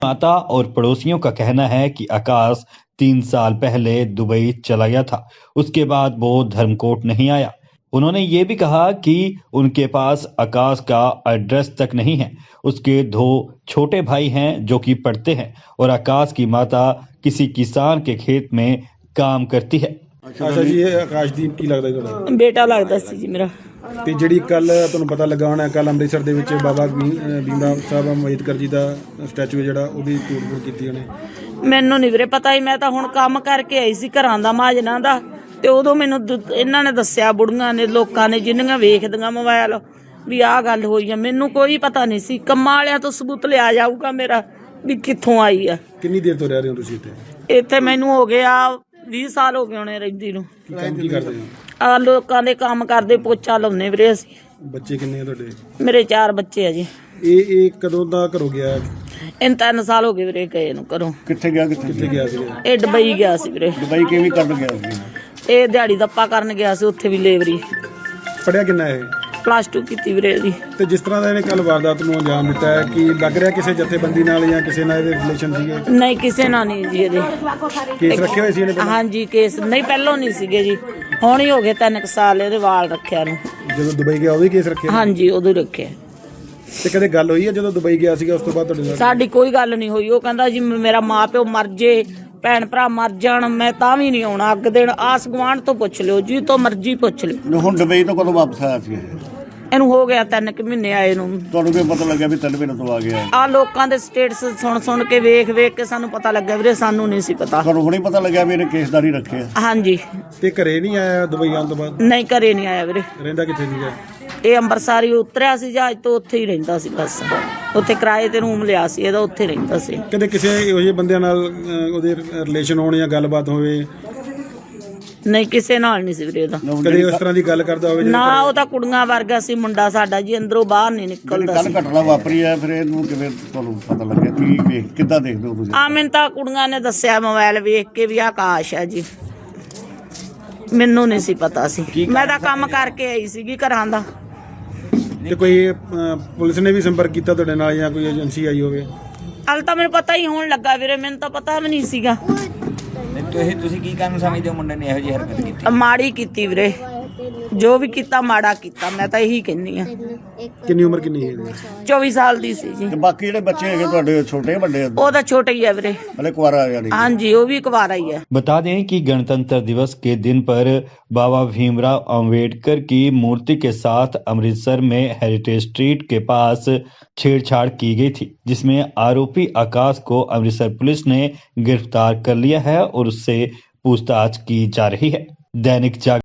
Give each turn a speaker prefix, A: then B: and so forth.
A: माता और पड़ोसियों का कहना है कि आकाश 3 साल पहले दुबई चला गया था। उसके बाद वो धर्मकोट नहीं आया। उन्होंने ये भी कहा कि उनके पास आकाश का एड्रेस तक नहीं है। उसके 2 छोटे भाई हैं जो कि पढ़ते हैं और आकाश की माता किसी किसान के खेत में काम करती है।
B: अच्छा जी, ये ਆਕਾਸ਼ਦੀਪ ਕੀ ਲੱਗਦਾ ਜੀ ਤੁਹਾਡਾ?
C: ਬੇਟਾ ਲੱਗਦਾ ਸੀ ਜੀ ਮੇਰਾ।
B: ਤੇ ਜਿਹੜੀ ਕੱਲ ਤੁਹਾਨੂੰ ਪਤਾ ਲੱਗਾ ਹੋਣਾ, ਕੱਲ ਅੰਮ੍ਰਿਤਸਰ ਦੇ ਵਿੱਚ ਬਾਬਾ ਭੀਮ ਸਾਹਿਬ ਅੰਬੇਦਕਰ ਜੀ ਦਾ ਸਟੈਚੂ ਹੈ ਜਿਹੜਾ, ਉਹਦੀ ਤੋੜ-ਫੋੜ ਕੀਤੀ ਉਹਨੇ।
C: ਮੈਨੂੰ ਨਹੀਂ ਵੀਰੇ ਪਤਾ ਹੀ, ਮੈਂ ਤਾਂ ਹੁਣ ਕੰਮ ਕਰਕੇ ਆਈ ਸੀ ਘਰਾਂ ਦਾ ਮਾਜਨਾ ਦਾ, ਤੇ ਉਦੋਂ ਮੈਨੂੰ ਇਹਨਾਂ ਨੇ ਦੱਸਿਆ, ਬੁੜੀਆਂ ਨੇ, ਲੋਕਾਂ ਨੇ, ਜਿੰਨੀਆਂ ਵੇਖਦੀਆਂ ਮੋਬਾਈਲ ਵੀ ਆਹ ਗੱਲ ਹੋਈ ਆ। ਮੈਨੂੰ ਕੋਈ ਪਤਾ ਨਹੀਂ ਸੀ। ਕੰਮਾਂ ਵਾਲਿਆਂ ਤੋਂ ਸਬੂਤ ਲਿਆ ਜਾਊਗਾ ਮੇਰਾ ਵੀ ਕਿੱਥੋਂ ਆਈ ਆ।
B: ਕਿੰਨੀ ਦੇਰ ਤੋਂ ਰਹਿ ਰਹੇ ਹੋ ਤੁਸੀਂ ਇੱਥੇ?
C: ਇੱਥੇ ਮੈਨੂੰ ਹੋ ਗਿਆ 20 ਸਾਲ ਹੋ ਗਏ ਹੋਣੇ ਰਹਿੰਦੀ ਨੂੰ।
B: ਕੰਮ ਕੀ ਕਰਦੇ ਹੋ?
C: ਆ ਲੋਕਾਂ ਦੇ ਕੰਮ ਕਰਦੇ, ਪੋਚਾ ਲਾਉਂਦੇ ਵੀਰੇ ਅਸੀਂ।
B: ਬੱਚੇ ਕਿੰਨੇ ਆ ਤੁਹਾਡੇ?
C: ਮੇਰੇ 4 ਬੱਚੇ ਆ ਜੀ।
B: ਇਹ ਕਦੋਂ ਦਾ ਘਰੋਂ ਗਿਆ?
C: ਇਹਨੂੰ 3 ਸਾਲ ਹੋ ਗਏ ਵੀਰੇ ਗਏ ਨੂੰ ਘਰੋਂ।
B: ਕਿੱਥੇ ਗਿਆ ਸੀ?
C: ਇਹ ਦੁਬਈ ਗਿਆ ਸੀ ਵੀਰੇ।
B: ਦੁਬਈ ਕਿਵੇਂ ਕਰਨ ਗਿਆ ਸੀ?
C: ਇਹ ਦਿਹਾੜੀ ਦੱਪਾ ਕਰਨ ਗਿਆ ਸੀ, ਉੱਥੇ ਵੀ ਲੇਬਰੀ।
B: ਪੜਿਆ ਕਿੰਨਾ ਇਹ?
C: +2 ਕੀਤੀ ਵੀਰੇ ਦੀ।
B: ਤੇ ਜਿਸ ਤਰ੍ਹਾਂ ਦਾ ਇਹਨੇ ਕੱਲ ਵਾਰਦਾਤ ਨੂੰ ਅੰਜਾਮ ਦਿੱਤਾ ਹੈ, ਕਿ ਲੱਗ ਰਿਹਾ ਕਿਸੇ ਜਥੇਬੰਦੀ ਨਾਲ ਜਾਂ ਕਿਸੇ ਨਾਲ ਇਹਦੇ ਰਿਲੇਸ਼ਨ ਸੀਗੇ?
C: ਨਹੀਂ, ਕਿਸੇ ਨਾਲ ਨਹੀਂ ਜੀ। ਇਹਦੇ
B: ਕੇਸ ਰੱਖੇ ਹੋਏ ਸੀ ਇਹਨੇ ਪਹਿਲਾਂ?
C: ਹਾਂਜੀ, ਕੇਸ ਨਹੀਂ, ਪਹਿਲੋਂ ਨਹੀਂ ਸੀਗੇ ਜੀ, ਹੁਣ ਹੀ ਹੋ ਗਏ 3 ਸਾਲ ਇਹਦੇ ਵਾਲ ਰੱਖਿਆ ਨੂੰ।
B: ਜਦੋਂ ਦੁਬਈ ਗਿਆ ਉਦੋਂ ਹੀ ਕੇਸ ਰੱਖਿਆ?
C: ਹਾਂਜੀ, ਉਦੋਂ ਰੱਖਿਆ।
B: ਤੇ ਕਦੇ ਗੱਲ ਹੋਈ ਹੈ ਜਦੋਂ ਦੁਬਈ ਗਿਆ ਸੀਗਾ ਉਸ ਤੋਂ ਬਾਅਦ ਤੁਹਾਡੇ ਨਾਲ?
C: ਸਾਡੀ ਕੋਈ ਗੱਲ ਨਹੀਂ ਹੋਈ। ਉਹ ਕਹਿੰਦਾ ਜੀ ਮੇਰਾ ਮਾਂ ਪਿਓ ਮਰ ਜੇ, ਭੈਣ ਭਰਾ ਮਰ ਜਾਣ, ਮੈਂ ਤਾਂ ਵੀ ਨਹੀਂ ਆਉਣਾ। ਅੱਗ ਦੇਣ ਆਸ ਗੁਆਂਢ ਤੋਂ ਪੁੱਛ ਲਿਓ, ਜੀ ਤੋਂ ਮਰਜ਼ੀ ਪੁੱਛ ਲਿਓ।
D: ਹੁਣ ਦੁਬਈ ਤੋਂ ਕਦੋਂ ਵਾਪਸ ਆਇਆ ਸੀ?
C: ਇਹਨੂੰ ਹੋ ਗਿਆ 3 ਮਹੀਨੇ ਆਏ ਨੂੰ।
D: ਤੁਹਾਨੂੰ ਕੀ ਪਤਾ ਲੱਗਿਆ ਵੀ 3 ਮਹੀਨੇ ਤੋਂ ਆ ਗਿਆ?
C: ਆ ਲੋਕਾਂ ਦੇ ਸਟੇਟਸ ਸੁਣ ਕੇ ਵੇਖ ਕੇ ਸਾਨੂੰ ਪਤਾ ਲੱਗਾ ਵੀਰੇ, ਸਾਨੂੰ ਨਹੀਂ ਸੀ ਪਤਾ।
D: ਤੁਹਾਨੂੰ ਹੁਣੇ ਪਤਾ ਲੱਗਿਆ ਵੀ ਇਹਨੇ ਕੇਸਦਾਰੀ ਰੱਖਿਆ?
C: ਹਾਂਜੀ।
B: ਤੇ ਘਰੇ ਨਹੀਂ ਆਇਆ ਦੁਬਈ ਆਉਣ ਤੋਂ ਬਾਅਦ?
C: ਨਹੀਂ, ਘਰੇ ਨਹੀਂ ਆਇਆ ਵੀਰੇ।
B: ਰਹਿੰਦਾ ਕਿੱਥੇ ਸੀਗਾ?
C: ਇਹ ਅੰਮ੍ਰਿਤਸਰ ਹੀ ਉਤਰਿਆ ਸੀ ਜਹਾਜ਼ ਤੋਂ, ਉੱਥੇ ਹੀ ਰਹਿੰਦਾ ਸੀ ਬਸ। ਉੱਥੇ ਕਿਰਾਏ ਤੇ ਰੂਮ ਲਿਆ ਸੀ ਇਹਦਾ, ਉੱਥੇ ਰਹਿੰਦਾ ਸੀ।
B: ਕਦੇ ਕਿਸੇ ਇਹੋ ਜਿਹੇ ਬੰਦਿਆਂ ਨਾਲ ਉਹਦੇ ਰਿਲੇਸ਼ਨ ਹੋਣ ਜਾਂ ਗੱਲਬਾਤ ਹੋਵੇ?
C: ਨਹੀਂ, ਕਿਸੇ ਨਾਲ ਨਹੀਂ ਸੀ ਵੀਰੇ ਇਹਦਾ।
B: ਕਦੇ ਉਸ ਤਰ੍ਹਾਂ ਦੀ ਗੱਲ ਕਰਦਾ ਹੋਵੇ?
C: ਨਾ, ਉਹ ਤਾਂ ਕੁੜੀਆਂ ਵਰਗਾ ਸੀ ਮੁੰਡਾ ਸਾਡਾ ਜੀ, ਅੰਦਰੋਂ ਬਾਹਰ ਨਹੀਂ ਨਿਕਲਦਾ
D: ਕੱਲ
C: ਸੀ।
D: ਘਟਨਾ ਵਾਪਰੀ ਹੈ, ਫਿਰ ਇਹਨੂੰ ਕਿਵੇਂ ਤੁਹਾਨੂੰ ਪਤਾ ਲੱਗਿਆ? ਕਿੱਦਾਂ ਦੇਖਦੇ ਹੋ ਤੁਸੀਂ?
C: ਆ ਮੈਨੂੰ ਤਾਂ ਕੁੜੀਆਂ ਨੇ ਦੱਸਿਆ ਮੋਬਾਈਲ ਵੇਖ ਕੇ ਵੀ ਆਕਾਸ਼ ਆ ਜੀ। ਮੈਨੂੰ ਨਹੀਂ ਸੀ ਪਤਾ ਸੀ। ਮੈਂ ਤਾਂ ਕੰਮ ਕਰਕੇ ਆਈ ਸੀਗੀ ਘਰਾਂ ਦਾ।
B: ਤੇ ਕੋਈ ਪੁਲਿਸ ਨੇ ਵੀ ਸੰਪਰਕ ਕੀਤਾ ਤੁਹਾਡੇ ਨਾਲ ਜਾਂ ਕੋਈ ਏਜੰਸੀ ਆਈ ਹੋਵੇ?
C: ਹਾਲੇ ਤਾਂ ਮੈਨੂੰ ਪਤਾ ਹੀ ਹੋਣ ਲੱਗਾ ਵੀਰੇ, ਮੈਨੂੰ ਤਾਂ ਪਤਾ ਵੀ ਨਹੀਂ ਸੀਗਾ।
E: ਤੁਸੀਂ ਕੀ ਕਾਰਨ ਸਮਝਦੇ ਹੋ ਮੁੰਡੇ ਨੇ ਇਹੋ ਜਿਹੀ ਹਰਕਤ ਕੀਤੀ?
C: ਮਾੜੀ ਕੀਤੀ ਵੀਰੇ, ਜੋ ਵੀ ਕੀਤਾ ਮਾੜਾ ਕੀਤਾ, ਮੈਂ ਤਾਂ ਇਹੀ ਕਹਿੰਦੀ ਆ।
B: ਕਿੰਨੀ ਉਮਰ ਕਿੰਨੀ ਹੈ ਇਹਦੀ?
C: 24 ਸਾਲ ਦੀ ਸੀ ਜੀ।
D: ਤੇ ਬਾਕੀ ਜਿਹੜੇ ਬੱਚੇ ਹੈਗੇ ਤੁਹਾਡੇ ਛੋਟੇ ਵੱਡੇ?
C: ਉਹ ਤਾਂ ਛੋਟਾ ਹੀ ਹੈ ਵੀਰੇ।
D: ਹਲੇ ਕੁਆਰਾ ਯਾਨੀ?
C: ਹਾਂਜੀ, वो भी कुंवारा ही है।
A: बता दें कि गणतंत्र दिवस के दिन पर बाबा भीमराव अंबेडकर की मूर्ति के साथ अमृतसर में हेरिटेज स्ट्रीट के पास छेड़छाड़ की गई थी, जिसमें आरोपी आकाश को अमृतसर पुलिस ने गिरफ्तार कर लिया है और उससे पूछताछ की जा रही है। दैनिक जागरण